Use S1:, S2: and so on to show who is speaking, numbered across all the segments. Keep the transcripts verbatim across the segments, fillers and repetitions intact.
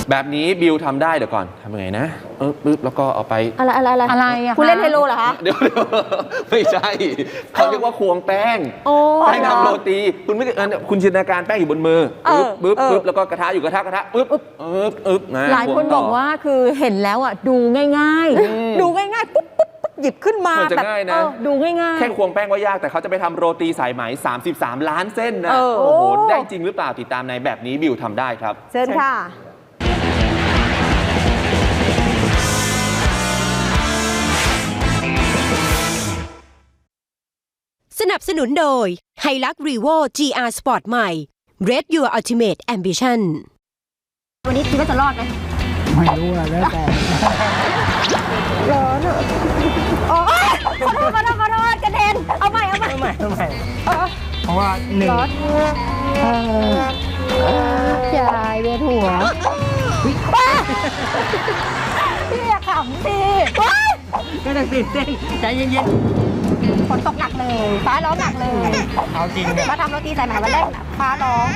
S1: แบบนี้บิวทำได้เดี๋ยวก่อนทำยังไงนะเออปึ๊บแล้วก็เอาไป
S2: อะไรอะไรอะไร
S3: อะไรอะ
S2: คุณเล่นไฮโลเหรอคะ
S1: เดี๋ยวไม่ใช่เขาเรียกว่าควงแป้งแป้งทำโรตีคุณไม่คุณจินตนาการแป้งอยู่บนมือปึ๊บปึ๊บปึ๊บแล้วก็กระทะอยู่กระทะกระทะปึ๊บปึ๊บปึ๊บนะ
S3: หลายคนบอกว่าคือเห็นแล้วอ่ะดูง่ายๆดูง่ายๆปุ๊บปุ๊บหยิบขึ้นมาแบบดูง่ายๆ
S1: แค่ควงแป้งว่ายากแต่เขาจะไปทำโรตีสายไหมสามสิบสามล้านเส้นนะโอ้โหได้จริงหรือเปล่าติดตามในแบบนี้บิวทำได้ครับ
S2: เชิญค่ะ
S4: สนับสนุนโดย Hilux Revo จี อาร์ Sport ใหม่ Red Your Ultimate Ambition
S2: วันนี้คิดว่าจะรอดไหม
S5: ไม่รู้อะแล้วแต่
S2: ร้อนอ่ะโอ้ยขอโทษขอโทษขอโทษกระเด็นเอาใหม่เอาใหม่
S5: เอาใหม่เอาใหม่เพราะว่าหนึ่ง
S2: ยายเวียนหัวพี่อย่าขำสิ
S5: ก็ต้องตื่นเต้นใจเย็น
S2: ๆฝนตกหนักเลยฟ้าร้องหนักเลย
S5: เอาจริง
S2: มาทำโรตีสายไหมวันแรกฟ้าร้อง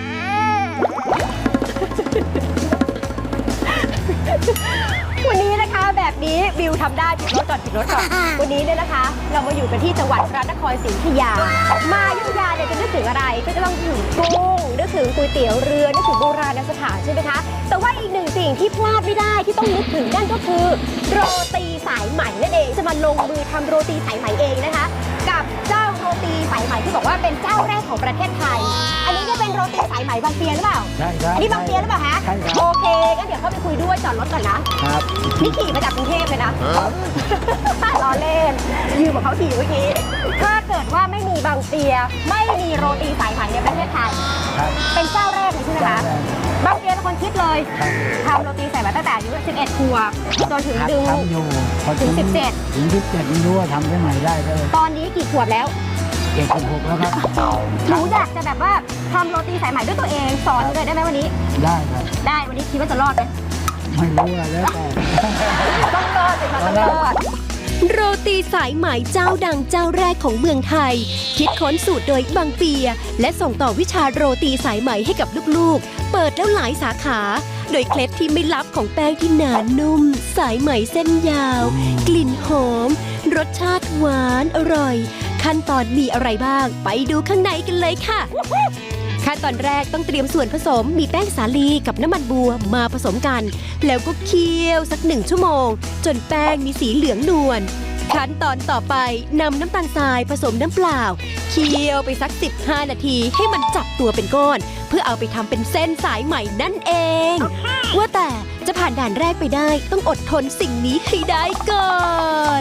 S2: วันนี้นะคะแบบนี้บิวทำได้ผิดรถก่อนผิดรถก่อนวันนี้เนี่ยนะคะเรามาอยู่กันที่จังหวัดพระนครศรีอยุธยามาอยุธยาเนี่ยจะนึกถึงอะไรก็จะต้องนึกถึงกุ้งนึกถึงก๋วยเตี๋ยวเรือนึกถึงโบราณสถานใช่ไหมคะแต่ว่าอีกหนึ่งสิ่งที่พลาดไม่ได้ที่ต้องนึกถึงนั่นก็คือโรตีสายไหมนั่นเองจะมาลงมือทำโรตีสายไหมเองนะคะกับเจ้าโรตีสายไหมที่บอกว่าเป็นเจ้าแรกของประเทศไทยอันนี้ก็เป็นโรตีสายไหมบางเปียหรือเปล่า
S5: ใช่ครับ
S2: อันนี้บางเปียหรือเปล่าฮะ
S5: ใช่ครับ
S2: โอเคงั้นเดี๋ยวเข้าไปคุยด้วยจอดรถก่อนนะครับนี่ขี่มาจากกรุงเทพเลยนะล้อเล่นยืมของเขาขี่เมื่อกี้ถ้าเกิดว่าไม่มีบางเปียไม่มีโรตีสายไหมในประเทศไทยเป็นเจ้าแรกเลยใช่ไหมคะบางเปียเป็นคนคิดเลยทำโรตีสายไหมตั้งแต่อายุสิบเอ็ดขวบจนถึงดึงถึงสิบเจ็ด
S5: ถึงสิบเจ็ดไม่รู้ว่าทำได้ไหมได้เลย
S2: ตอนนี้กี่ขวบแล้ว
S5: เจ็ดสิบหกแล้วครับ
S2: หนูอยากจะแบบว่าทำโรตีสายไหมด้วยตัวเองสอนเลยได้ไหมวันนี้
S5: ได้ครับ
S2: ได้วันนี้คิดว่าจะรอดไหม
S5: ไม่รู้อะไรแล้วแต่
S2: ต้องรอดสิคะต้องรอด
S4: โรตีสายไหมเจ้าดังเจ้าแรกของเมืองไทยคิดค้นสูตรโดยบางเปียและส่งต่อวิชาโรตีสายไหมให้กับลูกๆเปิดแล้วหลายสาขาโดยเคล็ดที่ไม่ลับของแป้งที่หนานุ่มสายไหมเส้นยาวกลิ่นหอมรสชาติหวานอร่อยขั้นตอนมีอะไรบ้างไปดูข้างในกันเลยค่ะขั้นตอนแรกต้องเตรียมส่วนผสมมีแป้งสาลีกับน้ำมันบัวมาผสมกันแล้วก็เคี่ยวสักหนึ่งชั่วโมงจนแป้งมีสีเหลืองนวลขั้นตอนต่อไปนำน้ำตาลทรายผสมน้ำเปล่าเคี่ยวไปสักสิบห้านาทีให้มันจับตัวเป็นก้อนเพื่อเอาไปทำเป็นเส้นสายไหมนั่นเองว่าแต่จะผ่านด่านแรกไปได้ต้องอดทนสิ่งนี้ให้ได้ก่อน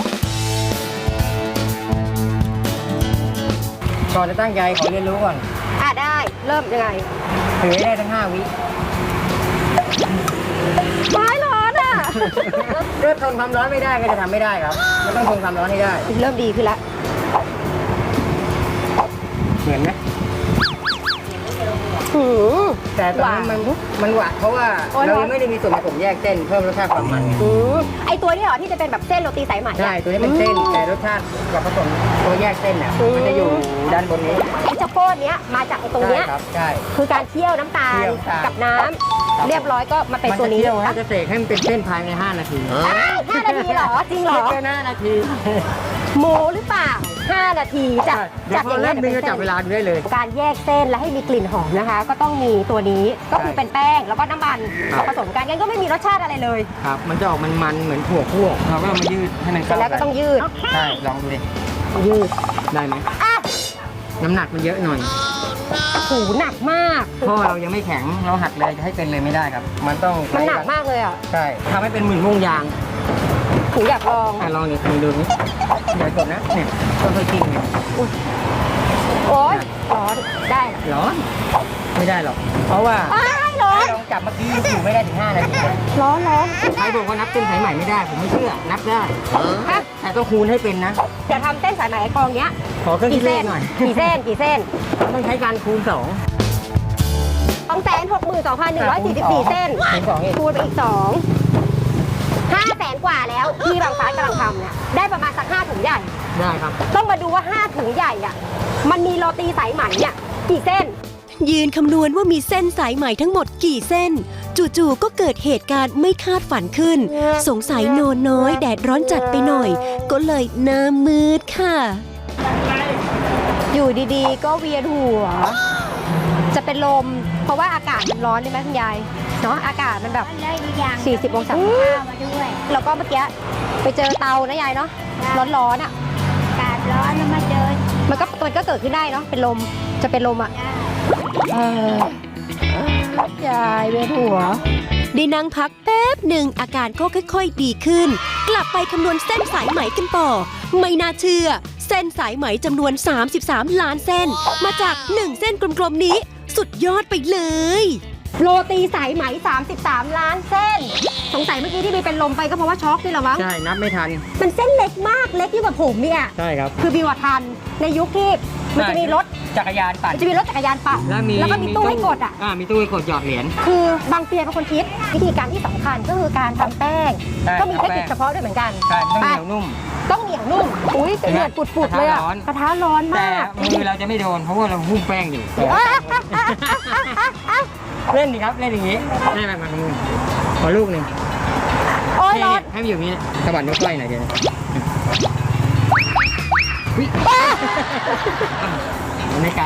S5: ก่อนจะตั้งใจขอเรียนรู้ก่อน
S2: อ่ะได้เริ่มยังไง
S5: ถือได้ทั้งห้าวิ
S2: ไม้ร้อนอ่ะ
S5: เริ่มทนความร้อนไม่ได้ก็จะทำไม่ได้ครับมันต้องทนความร้อนให้ได้
S2: เริ่มดีขึ้นละ
S5: เหมือนไหมแต่ตอนนั้นมันมันหวานเพราะว่าเรายังไม่ได้มีส่วนผสมแยกเส้นเพิ่มรสชาติความมัน
S2: ไอตัวนี้เหรอที่จะเป็นแบบเส้นโรตีสายไหม
S5: ใช่ตัวนี้เป็นเส้นแต่รสชาติกับผสมตัวแยกเส้นเนี่ยมันจะอยู่ด้านบนนี้
S2: ไอเจ้าโพดเนี้ยมาจากไอตรงเนี้ย
S5: ใช่
S2: คือการเคี่ยวน้ำตาลกับน้ำเรียบร้อยก็มาเป็นตัวนี้
S5: มันจะเสกให้มันเป็นเส้นภายในห้านาที
S2: ห้านาทีเหรอจริงเหรอ
S5: แค่ห้านาที
S2: โมหรือเปล่าห้านาทีจาก
S5: จากอย่างนี้นึงก็จับเวลาได้เลย
S2: การแยกเส้นและให้มีกลิ่นหอมนะคะก็ต้องมีตัวนี้ก็คือเป็นแป้งแล้วก็น้ำมันผสมกันงั้นก็ไม่มีรสชาติอะไรเลย
S5: ครับมันจะออกมันๆเหมือนถั่วคั่วเราก็มายืดให้มันเข้า
S2: แล้วก็ต้องยืด
S5: ใช่ลองดูดิ
S2: ยืด
S5: ได้ไหมน้ำหนักมันเยอะหน่อย
S2: หูหนักมาก
S5: พ่อเรายังไม่แข็งเราหักเลยจะให้เป็นเลยไม่ได้ครับมันต้อง
S2: มันหนักมากเลยอ่ะ
S5: ใช่ทำให้เป็นหมื่นม่วงยาง
S2: หูอยากลอง
S5: อ่ะลองดิลองดูนี่เดี๋ยวก่อนนะเนี่ยต้องค่อยกินเนี่ย
S2: โอ๊ยร้อนได้
S5: ร้อนไม่ได้หรอกเพราะว่า
S2: ร้อน
S5: ลองจับเมื่อกี้อยู่ไม่ได้ถึงห้านาที
S2: ร้อนร้อน
S5: ใครบอกว่านับเส้นสายไหมไม่ได้ผมไม่เชื่อนับได้แต่ต้องคูณให้เป็นนะ
S2: จะทำเส้นสายไหมกองเนี้ย
S5: ขอเครื่องคิดเลขหน่อย
S2: กี่เส้นกี่เส้น
S5: ต้องใช้การคูณสอง
S2: สองแสนหกหมื่นสองพันหนึ่งร้อยสี่สิบสี่เส้นคูณไปอีกสองห้าแสนกว่าแล้วที่บางฟ้ากำลังทำเนี่ยได้ประมาณสักห้าถุงใหญ่
S5: ได้ครับ
S2: ต้องมาดูว่าห้าถุงใหญ่อ่ะมันมีโรตีสายไหมเนี่ยกี่เส้น
S4: ยืนคำนวณว่ามีเส้นสายไหมทั้งหมดกี่เส้นจู่ๆก็เกิดเหตุการณ์ไม่คาดฝันขึ้น สงสัยนอนน้อยแดดร้อนจัดไปหน่อย ก็เลยหน้ามืดค่ะ
S2: อยู่ดีๆ ก็เวียนหัว จะเป็นลม เพราะว่าอากาศมันร้อนใช่ไหมคุณยาย เนาะอากาศมันแบบ สี่สิบองศาแล้วก็เมื่อกี้ไปเจอเตานะยายเนาะ ร้อนๆอ่ะ
S6: อากาศร้อนแล้วมาเจอ
S2: มันก็มันก็เกิดขึ้นได้เนาะ เป็นลม จะเป็นลมอ่ะเออยายเวียนหัว
S4: ได้นั่งพักแป๊บหนึ่งอาการก็ค่อยๆดีขึ้น กลับไปคำนวณเส้นสายไหมกันต่อ ไม่น่าเชื่อ เส้นสายไหมจำนวน สามสิบสาม ล้านเส้น มาจากหนึ่งเส้นกลมๆนี้ สุดยอดไปเลย
S2: โรตีสายไหม สามสิบสาม ล้านเส้น สงสัยเมื่อกี้ที่มีเป็นลมไปก็เพราะว่าช็อกนี่แหละมั้ง
S5: ใช่นับไม่ทัน
S2: มันเส้นเล็กมาก เล็กยิ่งกว่าผมเนี่ย
S5: ใช่ครับ
S2: คือบิวอะทัน ในยุคที่มันจะมีรถ
S5: จักรยานปั่น
S2: มันจะมีรถจักรยานปั่น
S5: แล้วมี
S2: แล้วก็มีตู้ให้กดอ่ะ
S5: อ่ามีตู้ให้กดหยอดเหรียญ
S2: คือบางเปียเป็นคนคิด วิธีการที่สำคัญก็คือการทำแป้ง
S5: ใช่
S2: ก็มีเทคนิค
S5: ทำแป้ง
S2: เฉพาะด้วยเหมือนกัน
S5: ใช่ต้องเหนียวนุ่ม
S2: ต้องเหนียวนุ่ม อุ้ยเดือดปุดๆเลยอ่ะ
S5: กระทะร้อน
S2: กระทะร้อน
S5: แต่
S2: มาก
S5: มือเราจะไม่โดน เพราะว่าเราหุ้มแป้งอยู่
S2: อ่ะอ่ะอ่ะอ่ะอ่ะอ่ะอ่ะ
S5: เล่นดิครับ เล่นอย่างนี้เล่นแบบมือขอลูกหนึ่ง
S2: โอ้ยร้อน
S5: ให้มันอยู่อย่างนี้สะบัดนิ้วก้อยหน่อยเดียววิมันไม่ไกล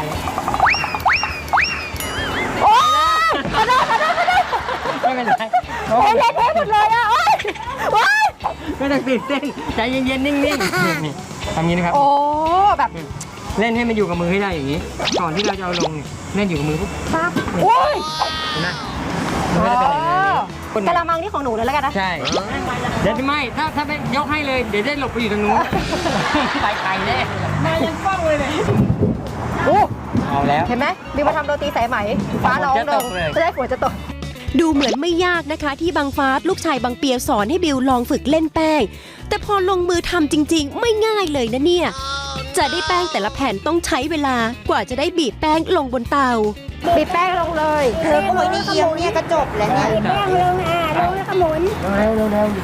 S2: โอ้ยกระโดดกระโดดกระโดด
S5: ไม่เป็นไร
S2: โอ้ยเละเทะหมดเลยอ่ะโอ้ยโอ้ย
S5: ไม่ต้องตื่นเต้นใจเย็นๆนิ่งๆนี่นี่ทำนี้นะครับ
S2: โอ้แบบ
S5: เล่นให้มันอยู่กับมือให้ได้อย่างนี้ ก่อนที่เราจะเอาลงเนี่ยเล่นอยู่กับมือปุ๊บ
S2: ปั๊บโอ้ย
S5: เห็นไหมมันก็จะเป็นอย่างนี้
S2: กระมังนี่ของหนูเลยแล้วกันนะ
S5: ใช่ เดี๋ยวไม่ ถ้าถ้าไปยกให้เลย เดี๋ยวได้หลบไปอยู่ตรงนู้น ไปไกลแน่มายังฟ้องเลยเนี่ย
S2: โอ้
S5: เอาแล้ว
S2: เห็นไหมบิวมาทำโรตีสายไหม ฟ้าร้อง
S5: จะ
S2: ล
S5: ต
S2: ง
S5: กเลย
S2: จะได้ฝนจะตก
S4: ดูเหมือนไม่ยากนะคะ ที่บางฟ้าลูกชายบางเปียสอนให้บิวลองฝึกเล่นแป้ง แต่พอลงมือทำจริง ๆ ไม่ง่ายเลยนะเนี่ย จะได้แป้งแต่ละแผ่นต้องใช้เวลากว่าจะได้บีบแป้งลงบนเตา
S2: บีบแป้งลงเลย
S6: เธอก็ไม่ได้เอียงเนี่ยก็จบแล้วเนี่ยแป้งลงอ่ะลงแล้วก็หมุน
S5: เร็วเร็วเร็ว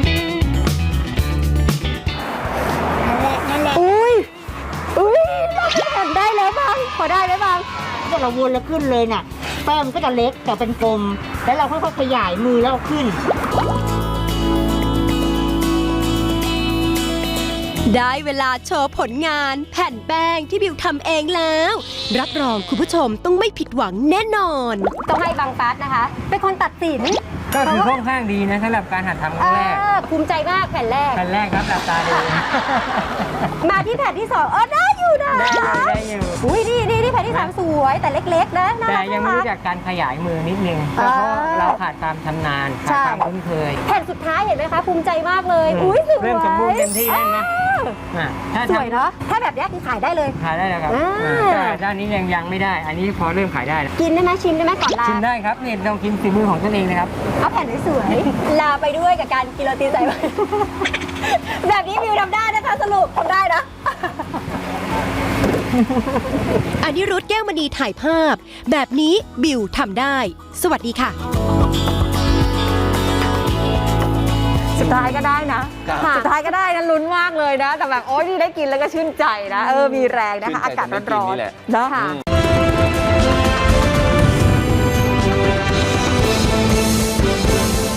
S6: นั่นแหละนั่นแหละ
S2: อุ้ย อุ้ยเห็นได้แล้วบ้างพอได้ไหมบ้าง
S6: พอเราวนแล้วขึ้นเลยน่ะ แป้งมันก็จะเล็กแต่เป็นกลม แล้วเราค่อยๆขยายมือแล้วเอาขึ้น
S4: ได้เวลาโชว์ผลงานแผ่นแป้งที่บิวทำเองแล้ว รับรองคุณผู้ชมต้องไม่ผิดหวังแน่นอน
S2: ต้องให้บางฟัดนะคะ เป็นคนตัดสิน
S5: ก็ถือค่อนข้างดีนะสำหรับการหัดทำครั้งแรก
S2: เออภูมิใจมากแผ่นแรก
S5: แผ่นแรกครับหลับตาดู
S2: มาที่แผ่นที่สองเออได้อยู่นะ
S5: ได้อยู่ได้อยู่
S2: อุ้ยนี่นี่นี่แผ่นที่สามสวยแต่เล็กๆนะน่า
S5: แต่
S2: รัก
S5: ยังไม่
S2: น่า
S5: รู้
S2: รั
S5: จั
S2: ก
S5: กการขยายมือนิดนึง
S2: อ่า
S5: เพราะเราขาดความชำนาญ
S2: ใช่
S5: ขาดความคุ้นเคย
S2: แผ่นสุดท้ายเห็นไหมคะภูมิใจมากเลย
S5: อืม
S2: อุ้ยสวย
S5: เริ่มสมบูรณ์เต็มที่แล้วนะ
S2: อ้าว
S5: อ่ะถ้า
S2: ส
S5: ทำ
S2: วยเนาะถ้าแบบนี้คือขายได้เลย
S5: ขายได้แล้วครับ
S2: อ่า
S5: อ่าแต่ด้านนี้ยังยังไม่ได้ อันนี้พอเริ่มขายได้แล้ว
S2: กินได้ไหมชิมได้ไหมก่อนลา
S5: ชิมได้ครับนี่ลองกินฝีมือของตนเองนะครับ
S2: เอาแผ่นสวยๆลาไปด้วยกับการกินโรตีใส่ไว้ แบบนี้วิวทำได้นะคะสรุปทำได้นะ
S4: อนิรุธแก้วมณีถ่ายภาพ แบบนี้บิวทำได้ สวัสดีค่ะ
S3: สุดท้ายก็ได้นะ
S1: ครับ
S3: สุดท้ายก็ได้นะลุ้นมากเลยนะ แต่แบบโอ๊ยนี่ได้กินแล้วก็ชื่นใจนะ เออ มีแรงนะคะ
S1: ชื่นใจ
S3: อากาศ
S1: แต่ไม่กิน
S3: ร้อน
S1: นี่แหละ
S3: ๆเนาะ
S2: ค่ะ